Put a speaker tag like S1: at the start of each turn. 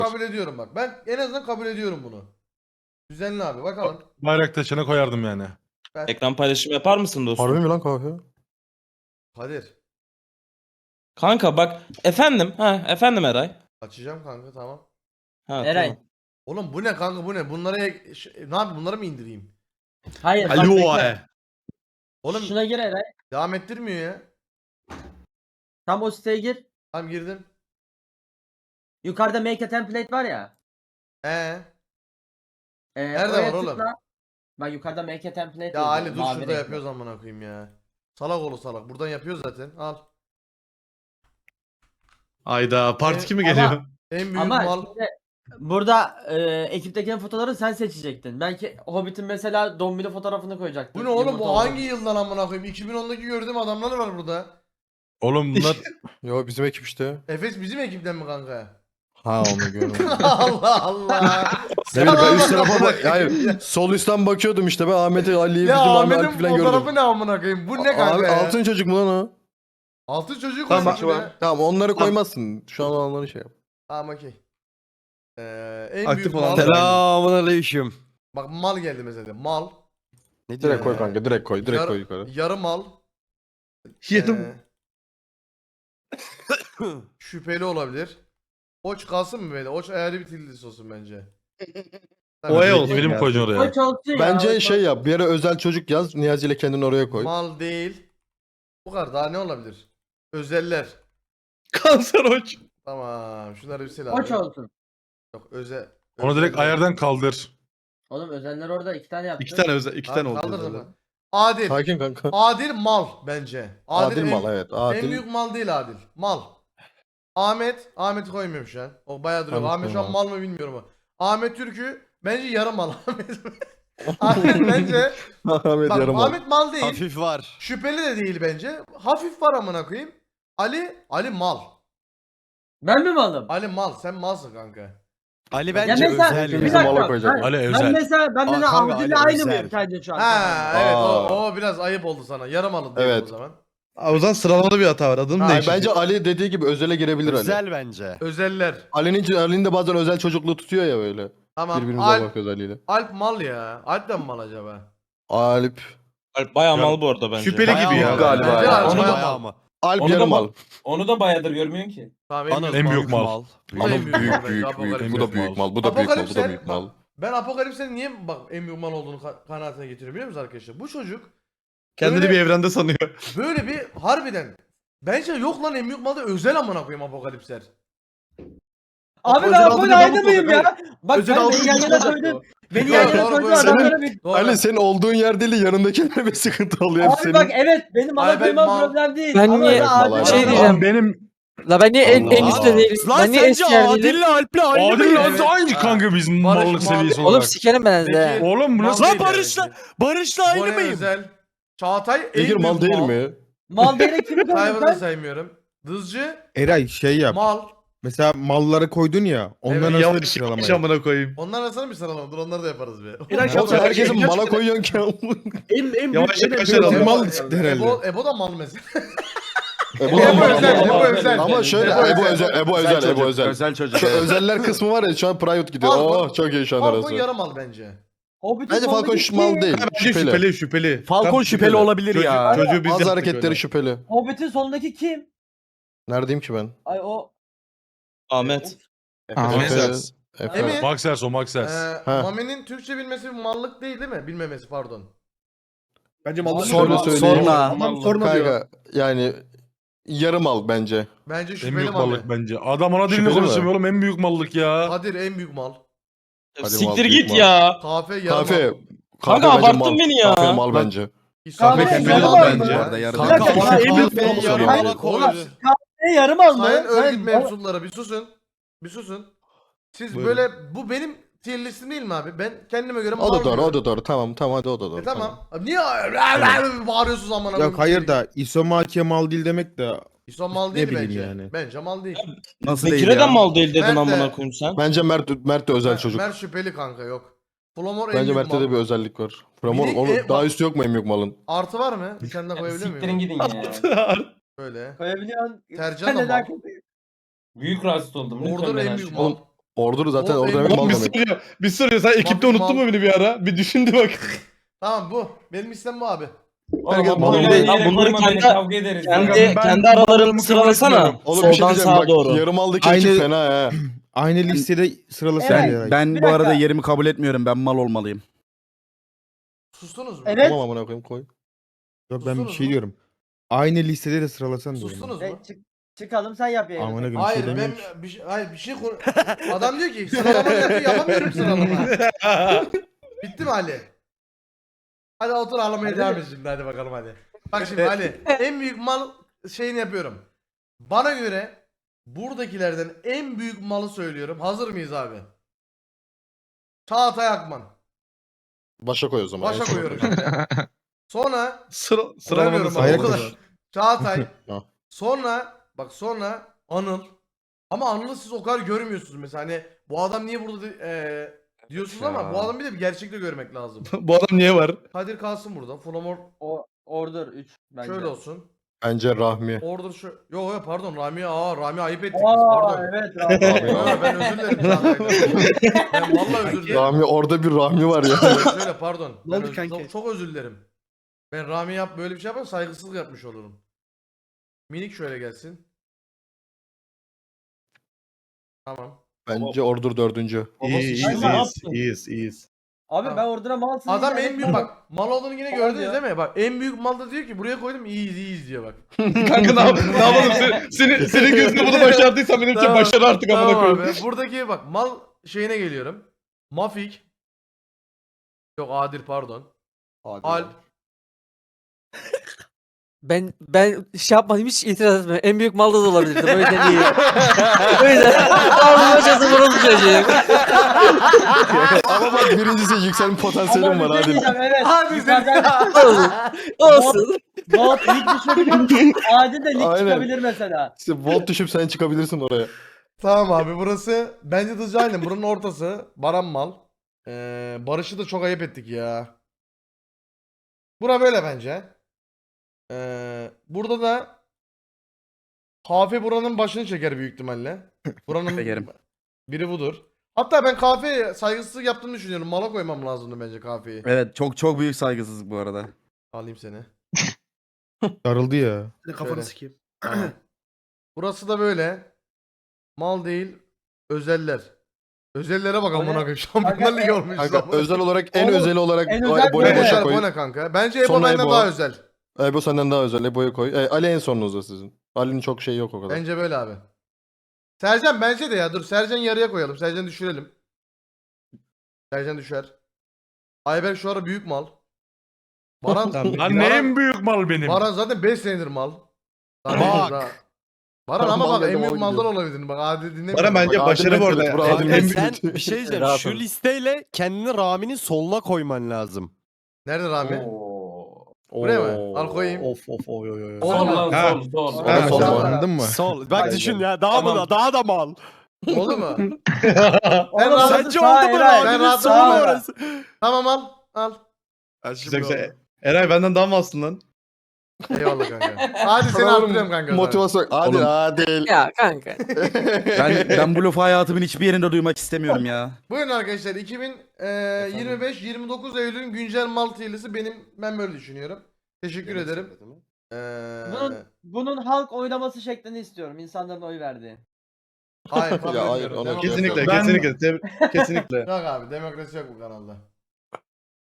S1: Kabul ediyorum bak. Ben en azından kabul ediyorum bunu. Düzenli abi bakalım.
S2: Bayrak taşına koyardım yani.
S1: Ben...
S3: Ekran paylaşımı yapar mısın dostum?
S4: Harbi mi lan kahve?
S1: Kadir.
S3: Kanka bak efendim. Efendim Eray.
S1: Açacağım kanka tamam.
S5: Eray.
S3: Tamam.
S1: Oğlum bu ne kanka bu ne? Bunlara ne yapayım? Bunları mı indireyim?
S5: Hayır. bak
S6: Alo.
S5: bekle.
S1: Oğlum
S5: Şuna gir Eray.
S1: devam ettirmiyor ya.
S5: Tam o siteye gir.
S1: Tamam girdim.
S5: Yukarıda make a template var ya.
S1: Nerede
S5: oraya
S1: var oğlum?
S5: tıkla. Bak yukarıda make a template
S1: Ya
S5: yazıyor,
S1: Ali dur
S5: mavi
S1: şurada
S5: renkli.
S1: yapıyoruz amına koyayım ya. Salak oğlu salak. Buradan yapıyoruz zaten. Al.
S6: Ayda parti kimi
S5: Ama-
S6: geliyor?
S1: En büyük
S5: Ama
S1: mal.
S5: şimdi burada ekipteki fotoğrafları sen seçecektin. Belki Hobbit'in mesela Dombili fotoğrafını koyacaktın.
S1: Bu ne oğlum
S5: Yumurta
S1: bu
S5: olarak.
S1: hangi yıldan amına koyayım? 2010'daki gördüğüm adamlar var burada.
S2: Oğlum bunlar
S4: Yo bizim ekip işte.
S1: Efes bizim ekipten mi kanka?
S4: Ha onu görmedim.
S1: Allah Allah.
S4: Ne bileyim ben üst
S1: Salak
S4: tarafa
S1: amına
S4: hayır
S1: koyayım ya.
S4: sol üstten bakıyordum işte ben Ahmet'i Ali'yi
S1: Ya
S4: bizim
S1: Ahmet'in
S4: Ahmet'i falan
S1: fotoğrafı
S4: gördüm.
S1: ne amına koyayım? Bu ne
S4: Abi
S1: kanka ya?
S4: altın çocuk mu lan o?
S1: Altın çocuğu
S6: Tamam,
S1: koymuş be.
S4: Tamam onları koymazsın. Şu an olanları şey yap.
S1: Tamam okey. En
S6: Aktif
S1: büyük
S6: olan
S1: mal.
S7: Selamünaleyküm.
S1: Bak mal geldi mesela. Mal.
S7: Ne
S4: Direkt koy
S1: Ee,
S4: kanka direkt koy direkt
S1: Yarı-
S4: koy yukarı.
S1: Yarı mal.
S6: Yarım.
S1: Şüpheli olabilir. Oç kalsın mı böyle? Oç ayarı bir tillis olsun bence.
S6: Oya olsun.
S2: film
S6: ya.
S2: koyacaksın oraya.
S5: Koç olsun ya,
S4: Bence
S5: koç
S4: şey yap bir yere özel çocuk yaz Niyazi ile kendini oraya koy.
S1: Mal değil. Bu kadar daha ne olabilir? Özeller.
S6: Kanser hoç.
S1: Tamam. Şunları bir sil
S5: olsun.
S1: abi.
S5: Koç olsun.
S1: Yok özel.
S2: Onu direkt
S1: özeller.
S2: ayardan kaldır.
S5: Oğlum özenler orada 2 tane yaptı.
S6: İki tane özel, iki tane
S1: Tamam,
S6: oldu.
S1: kaldırdım
S6: özel.
S1: ben. Adil.
S4: Sakin kanka.
S1: Adil mal bence.
S4: Adil
S1: en-
S4: mal evet
S1: En
S4: adil.
S1: büyük mal değil Adil. Mal. Ahmet. Ahmet'i koymuyorum şu an. O bayağı duruyor.
S4: Ahmet
S1: Ahmet şu an
S4: koyma.
S1: mal mı bilmiyorum ama. Ahmet Türk'ü bence yarım mal. Ahmet bence.
S4: Ahmet
S1: Bak
S4: yarım al.
S1: Ahmet mal değil.
S7: Hafif var.
S1: Şüpheli de değil bence. Hafif var amına koyayım. Ali mal.
S5: Ben mi malım?
S1: Ali mal. Sen malsın kanka.
S7: Ali
S5: Ya
S7: bence
S5: mesela
S7: özel
S5: bir
S7: ya.
S4: Bizim mala
S5: dakika.
S4: koyacak.
S5: Ben,
S2: Ali
S5: ben
S2: özel.
S5: mesela ben de
S7: kanka,
S5: Abdül'le
S7: Ali
S5: aynı
S7: özel.
S5: mıyım sence şu an?
S1: Ha evet
S4: Aa.
S1: o biraz ayıp oldu sana. Yarım alın diyelim
S4: Evet.
S1: o zaman.
S6: O zaman sıralama bir hata var. Adını
S4: Hayır,
S6: değiştir.
S4: bence Ali dediği gibi özele girebilir Ali.
S7: Özel bence.
S1: Özeller.
S4: Ali'nin de bazen özel çocukluğu tutuyor ya böyle.
S1: Tamam.
S4: Birbirimize
S1: Alp,
S4: bakıyoruz Ali'yle.
S1: Alp mal ya. Alp de mi mal acaba?
S4: Alp.
S3: Alp bayağı mal bu arada bence.
S6: Şüpheli
S7: Bayağı
S6: gibi ya.
S7: mal
S4: Galiba
S1: Bence
S4: ya.
S1: Alp
S4: Onu
S1: bayağı
S7: Bayağı
S1: mal.
S7: mı?
S4: Alp
S8: Onu da
S4: yarım
S8: bak-
S4: al.
S8: Onu da bayağıdır görmüyorsun ki.
S1: Tamam
S7: Anıl
S2: En büyük mal.
S7: mal.
S1: Bu da en
S4: Anıl
S1: büyük mal
S4: büyük
S1: bence,
S4: büyük
S1: Apokalipsel.
S4: büyük. Bu da büyük mal. Bu da büyük mal. Bu da
S1: Apokalipsel,
S4: büyük mal.
S1: Ben Apokalips'in niye bak en büyük mal olduğunu kanaatine getiriyorum biliyor musunuz arkadaşlar? Bu çocuk
S6: Kendini
S1: Böyle-
S6: bir evrende sanıyor.
S1: böyle bir harbiden bence yok lan en büyük malda özel amına koyayım Apokalipsler.
S5: Abi
S6: Özel
S5: ben
S6: aldığını
S5: Apo'yla aynı
S6: yapıp
S5: mıyım
S6: olacak,
S5: ya? Bak
S6: Özel
S5: ben
S6: aldığını
S5: beni yan yana
S6: yapacak
S5: koydun.
S6: o.
S5: Beni
S1: Doğru,
S5: yan yana
S1: doğru,
S5: koydun
S1: bu
S5: adamlara bir...
S1: Doğru.
S4: Ali senin olduğun yer değil yanındakilere bir sıkıntı oluyor hep
S5: Abi
S4: senin.
S5: bak evet benim
S1: Ay,
S5: mala
S1: ben
S5: koymam
S1: mal-
S5: problem değil.
S9: Ben
S5: Ama
S9: niye-
S5: öyle adil
S4: Mal-
S9: Şey
S5: adam-
S9: diyeceğim.
S2: Benim
S9: La ben niye en
S4: Allah.
S9: üstte değilim?
S7: Lan
S9: Ben niye
S7: sence
S9: eski yer değilim?
S7: Adil'le Alp'le aynı
S2: Adil
S7: mıyım?
S2: lan
S1: Evet.
S2: aynı kanka bizim
S1: Barış
S2: mallık
S1: mal-
S2: seviyesi
S9: Oğlum
S2: olarak.
S9: sikerim ben size.
S1: Peki,
S2: Oğlum bu
S1: mal
S2: nasıl?
S1: değil
S7: Lan
S1: yani
S7: Barış'la
S1: bence.
S7: Barış'la aynı
S1: Bone
S7: mıyım?
S1: özel. Çağatay en
S4: Bekir
S1: büyük
S4: mal değil mi?
S5: Mal diyerek kimi koydun
S1: Cyber'ı da
S5: sen?
S1: saymıyorum. Dızcı
S10: Eray şey yap.
S1: mal.
S10: Mesela malları koydun ya. Onların
S1: Evet,
S10: arasında bir
S6: Yanlış
S10: sıralama
S6: yapmış
S10: yap.
S6: amına koyayım.
S1: Onlar arasında bir sıralama dur onları da yaparız be.
S6: İlaç
S4: Oğlum
S6: yapma.
S4: herkesin
S6: İlaç
S4: mala
S6: yapma.
S4: koyuyorsun ki.
S6: Yavaş yavaş
S10: Ebo
S6: alalım.
S10: mal çıktı herhalde.
S1: Ebo da mal mesela.
S4: Ebo
S1: özel, Ebo özel.
S4: Ama şöyle
S1: Ebo
S4: Ebo özel, Ebo özel.
S7: Özel çocuk.
S4: Şu özeller kısmı var ya şu an private gidiyor.
S1: Falcon-
S4: Oh çok iyi şu an
S1: Falcon
S4: arası.
S1: yarım mal bence.
S5: Hobbit'in
S4: Bence Falcon
S5: sondaki
S4: mal
S5: kim?
S4: değil.
S6: Bence
S4: Şüpheli.
S6: şüpheli şüpheli.
S7: Falcon
S6: Tam
S7: şüpheli olabilir
S6: Çocuğu-
S7: ya.
S6: Çocuğu biz
S4: Az
S6: yaptık
S4: hareketleri
S6: öyle.
S4: şüpheli.
S5: Hobbit'in sondaki kim?
S4: Neredeyim ki ben?
S5: Ay o...
S3: Ahmet.
S2: Ahmet.
S4: Efe.
S1: Emin.
S2: Maxers o Maxers.
S4: Ha.
S1: Mami'nin Türkçe bilmesi bir mallık değil değil mi? Bilmemesi pardon.
S6: Bence mallar
S4: Sonra
S6: şöyle.
S4: söyleyeyim.
S6: Tamam sorma diyor.
S4: Kanka yani yarım al bence.
S1: Bence
S2: En
S1: şüpheli
S2: büyük
S1: Mami.
S2: mallık bence. Adam ana dilini
S4: Şüpheli mi?
S2: konuşamıyor oğlum en büyük mallık ya.
S1: Kadir en büyük mal.
S4: Hadi mal,
S3: Siktir
S4: büyük
S3: git
S4: mal.
S3: ya.
S1: Kafe yarım
S4: Kafe.
S1: mal.
S3: Kanka
S4: bence
S3: abarttın
S4: mal.
S3: beni ya.
S4: Kafe mal bence.
S1: İsmail
S5: Kahve
S1: yarım
S5: yarım
S1: mal
S5: mal
S1: bence.
S5: mı?
S7: Bu arada yarım
S4: Kanka
S5: mal.
S4: kafe
S7: Kahve
S4: mal
S7: yarım
S4: mal.
S7: mal koydu.
S5: Yarım al mı?
S1: Sayın örgüt
S5: Sen-
S1: mensupları bir susun. Bir susun. Siz
S6: Buyurun.
S1: böyle bu benim tier listim değil mi abi? Ben kendime göre mal
S4: O da doğru, o
S1: diyorum.
S4: da doğru. Tamam, tamam hadi o da doğru.
S1: Tamam. Abi niye bağırıyorsunuz amına
S10: Yok hayır da isomaki mal değil demek de
S1: İso mal
S10: Ne
S1: değil
S10: bileyim
S1: bence.
S10: yani.
S1: Bence mal değil.
S7: Nasıl değil
S3: Bekir'e de
S7: ya?
S3: mal değil dedin
S1: Mert de-
S3: amına koyayım sen.
S4: Bence Mert de özel çocuk.
S1: Mert şüpheli kanka yok. Flomor en
S4: Bence
S1: büyük
S4: Mert'te
S1: mal.
S4: de bir özellik var. Framor
S1: Minik-
S4: onu
S1: bak-
S4: daha üstü yok mu en büyük malın?
S1: Artı var mı? Bir tane daha koyabilir
S8: Siktirin
S1: miyim?
S8: gidin ya.
S1: Böyle.
S5: Koyabiliyorsun.
S1: Tercan
S5: Sen
S1: da
S5: neden
S1: mal.
S8: Büyük rahatsız oldum. Lütfen
S1: Order
S8: beni
S1: en büyük
S8: aşkına.
S1: mal.
S4: Ordur zaten
S1: O
S4: orada
S1: en-
S4: demek mal
S6: Oğlum bir
S4: demek.
S6: soruyor. Bir soruyor. Sen ekipte
S1: Mal-
S6: unuttun mu beni bir ara? Bir düşündü bak.
S1: Tamam bu. Benim istem bu abi.
S6: Herkes
S3: Bunları-
S6: mal-
S3: bunları kendi-
S8: kavga ederiz.
S3: Kendi aralarını sıralasana.
S4: Oğlum bir şey
S3: Soldan
S4: diyeceğim
S3: sağa
S4: bak.
S3: doğru.
S4: Yarım aldaki
S10: Aynı-
S4: ekip fena ha.
S10: Aynı listede sıralasana
S5: Evet,
S10: ya.
S7: Ben
S5: Bir
S7: bu arada
S5: dakika.
S7: yerimi kabul etmiyorum. Ben mal olmalıyım.
S1: Sustunuz mu?
S5: Evet.
S4: Tamam amına koyayım koy.
S10: Yok ben bir
S1: Sustunuz
S10: şey
S1: mu?
S10: diyorum. Aynı listede de sıralasan diyorum.
S1: Sustunuz mu?
S5: Çıkalım sen yap yayını.
S10: Amına koyayım.
S1: Hayır
S10: şey
S1: ben
S10: demiyorum.
S1: bir şey adam diyor ki sıralama yapıyor yapamıyorum sıralama. Bitti mi Ali? Hadi otur ağlamaya devam et şimdi hadi bakalım hadi. Bak şimdi Ali en büyük mal şeyini yapıyorum. Bana göre buradakilerden en büyük malı söylüyorum. Hazır mıyız abi? Çağatay Akman.
S4: Başa koy o zaman.
S1: Başa
S4: en sona
S1: koyuyorum
S4: koy.
S1: şimdi. Sonra
S6: Sıralamada
S1: koyamıyorum bak,
S10: Hayır,
S1: o kadar.
S10: koş.
S1: Çağatay.
S4: Ha.
S1: Sonra Anıl. Ama Anıl'ı siz o kadar görmüyorsunuz mesela hani bu adam niye burada diyorsunuz ama bu adamı bir de bir gerçekte görmek lazım.
S6: Bu adam niye var?
S1: Kadir kalsın burada. Flamor
S5: Order 3 bence.
S1: şöyle olsun.
S4: Bence Rahmi.
S1: Order şu. Yo pardon Rami ayıp ettik biz
S5: Aa
S1: pardon.
S5: evet
S1: Yo,
S5: abi.
S1: ben özür dilerim Çağatay'dan. Ben vallahi özür dilerim.
S4: Rahmi orada bir Rahmi var ya.
S1: Şöyle pardon.
S6: Ne
S1: Ben
S6: oldu kanki?
S1: çok özür dilerim. Ben Rami böyle bir şey yaparsam saygısızlık yapmış olurum. Minik şöyle gelsin. Tamam.
S4: Bence Ordur dördüncü.
S6: İyiyiz.
S5: Abi
S1: Tamam.
S5: ben Order'a malsın.
S1: Adam
S5: diye
S1: en büyük bak mal olduğunu yine
S5: Tamam
S1: gördünüz
S5: ya.
S1: değil mi? Bak en büyük mal da diyor ki buraya koydum iyiyiz diyor bak.
S6: Kanka ne yapalım? Senin gözünde bunu başardıysan benim için
S1: Tamam.
S6: başarı artık amına
S1: Tamam
S6: koyayım.
S1: abi. Buradaki bak mal şeyine geliyorum. Mafik. Yok Adil pardon. Alp.
S9: Ben şey yapmadım hiç itiraz etmiyorum. En büyük malda da olabilirdi. O yüzden iyi. O yüzden aldım hocası vuruldu çocuğum.
S4: Ama bak birincisi yükselme potansiyelim
S5: Ama
S4: var
S5: bir şey
S4: hadi.
S5: diyeceğim evet.
S1: Abi
S5: Yukarıdan
S9: Olsun.
S5: Bolt lig düşebilir. Adil de lig
S4: Aynen.
S5: çıkabilir mesela.
S4: İşte volt düşüp sen çıkabilirsin oraya.
S1: Tamam abi burası bence Dızcı Aylin. Buranın ortası. Baran mal. Barış'ı da çok ayıp ettik ya. Bura böyle bence. Burada da Kafe buranın başını çeker büyük ihtimalle. Buranın
S7: Çekerim.
S1: biri budur. Hatta ben Kafe'ye saygısızlık yaptığını düşünüyorum. Mala koymam lazımdı bence Kafe'yi.
S7: Evet çok büyük saygısızlık bu arada.
S1: Alayım seni.
S10: Darıldı ya.
S6: Kafanı
S1: Şöyle.
S6: sikeyim.
S1: Burası da böyle. Mal değil. Özeller. Özellere bak amına koyayım. Şampiyonlar Ligi olmuş.
S4: Kanka
S1: amına.
S4: özel olarak en
S5: Oğlum,
S4: özeli olarak
S5: en özel
S4: Ebo'ya
S5: böyle.
S4: başa
S1: Ebo
S4: koy.
S1: ne kanka? Bence Ebo
S4: Sonra
S1: benden
S4: Ebo.
S1: daha özel.
S4: Ebo senden daha özel. Ebo'ya koy. Ali en sonunuzda sizin. Ali'nin çok şeyi yok o kadar.
S1: Bence böyle abi. Sercan bence de ya. Dur Sercan yarıya koyalım. Sercan düşürelim. Sercan düşer. Ayberk şu ara büyük mal. Baran,
S2: Lan ne en büyük mal benim?
S1: Baran zaten 5 senedir mal. Daha
S7: Bak.
S1: daha- Baran ama
S4: Mal
S1: bak
S4: dedim,
S1: en büyük
S4: mal
S1: maldan
S4: gidiyor.
S1: olabilir. Bak adil dinlemiyor.
S6: Bana bence
S4: Bak,
S6: başarı
S4: Adil
S6: bu arada.
S4: Mesut, bura Adil
S7: Kanka
S4: Mesut.
S7: sen bir şey diyeceğim.
S4: Rahat
S7: Şu
S4: ol.
S7: listeyle kendini Rami'nin soluna koyman lazım.
S1: Nerede Rami?
S8: Oo.
S1: Buraya mı? Al koyayım.
S6: Of oy.
S1: Oğlum,
S8: Sol lan
S6: Ha.
S8: sol.
S6: Ha,
S10: Sol
S1: sol.
S10: anladın mı?
S7: Sol. Bak
S6: Aynen.
S7: düşün ya daha
S1: Tamam.
S7: mı daha da mal.
S1: Oldu mu?
S5: Oğlum,
S1: rahat-
S7: Sence
S5: sağ
S7: oldu mu
S5: Eray.
S1: Ben
S7: Rami'nin
S1: rahat-
S7: solu
S5: Sağ
S7: orası?
S1: Tamam al. Al.
S6: Güzel. Eray benden daha mı alsın lan?
S1: Eyvallah kanka. Hadi seni
S4: Sana oğlum
S1: arttırıyorum kanka.
S4: Motivasyon. Hadi
S7: Oğlum.
S4: Adil.
S9: Ya kanka.
S7: Ben bu lafı hayatımın hiçbir yerinde duymak istemiyorum ya.
S1: Buyurun arkadaşlar 2025-29 Eylül'ün güncel mal tiylisi ben böyle düşünüyorum. Teşekkür ederim.
S5: Bunun halk oylaması şeklini istiyorum. İnsanların oy verdiği.
S1: Hayır kabul
S4: Ya hayır,
S1: etmiyorum.
S4: ona
S1: Demokrasi
S6: Kesinlikle,
S1: yok.
S6: kesinlikle.
S1: Yok abi demokrasi yok bu kanalda.